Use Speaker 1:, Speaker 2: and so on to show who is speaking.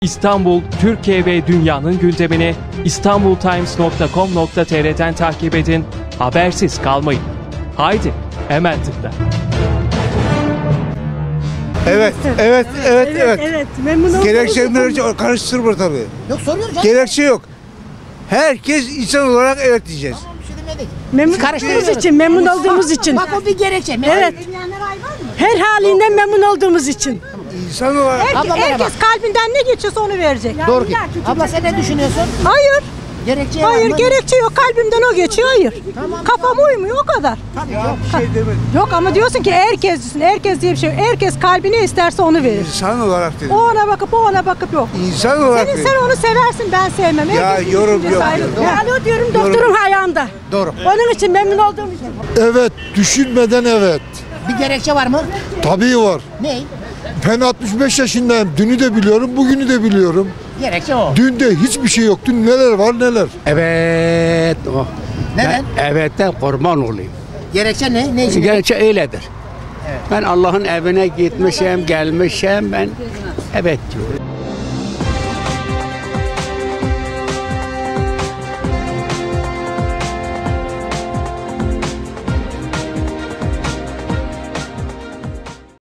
Speaker 1: İstanbul, Türkiye ve dünyanın gündemini istanbultimes.com.tr'den takip edin, habersiz kalmayın. Haydi, hemen tıkla.
Speaker 2: Evet.
Speaker 3: Memnun oldum.
Speaker 2: Gerekçe karıştırma tabii.
Speaker 4: Yok soruyoruz canım.
Speaker 2: Gerekçe yok. Herkes insan olarak evet diyeceğiz.
Speaker 4: Tamam, bir şey demedik.
Speaker 3: Memnun
Speaker 4: Karıştırıyoruz.
Speaker 3: olduğumuz için, memnun olduğumuz için.
Speaker 4: Bak o bir gerekçe.
Speaker 3: Evet. Her halinden memnun olduğumuz için.
Speaker 2: İnsan olarak.
Speaker 4: Abla merhaba.
Speaker 3: Herkes kalbinden ne geçiyorsa onu verecek.
Speaker 4: Doğru ki. Abla sen ne düşünüyorsun?
Speaker 3: Hayır,
Speaker 4: Gerekçe var
Speaker 3: hayır
Speaker 4: mı?
Speaker 3: gerekçe yok. Kalbimden o geçiyor, hayır. Kafam uymuyor, o kadar.
Speaker 2: Ya bir şey demedim.
Speaker 3: Yok ama diyorsun ki herkes diye bir şey yok. Herkes kalbi ne isterse onu verir.
Speaker 2: İnsan olarak dedim.
Speaker 3: O ona bakıp, o ona bakıp yok.
Speaker 2: İnsan olarak
Speaker 3: Sen
Speaker 2: dedim.
Speaker 3: onu seversin, ben sevmem.
Speaker 2: Ya,
Speaker 3: Herkesin
Speaker 2: yorum
Speaker 3: düşüncesi
Speaker 2: yok,
Speaker 3: ayrı.
Speaker 2: yok.
Speaker 3: Alo diyorum, doktorum ayağında.
Speaker 4: Doğru.
Speaker 3: Onun için memnun olduğum için.
Speaker 5: Evet, düşünmeden evet.
Speaker 4: Bir gerekçe var mı?
Speaker 5: Tabii var.
Speaker 4: Ne?
Speaker 5: Ben 65 yaşındayım. Dünü de biliyorum, bugünü de biliyorum.
Speaker 4: Gerekçe o.
Speaker 5: Dünde hiçbir şey yok. Dün neler var neler.
Speaker 6: Evet. Oh.
Speaker 4: Neden?
Speaker 6: Evetten kurban olayım.
Speaker 4: Gerekçe ne? Ne için?
Speaker 6: Gerçi öyledir. Ben Allah'ın evine gitmişim, gelmişim. Ben evet diyorum.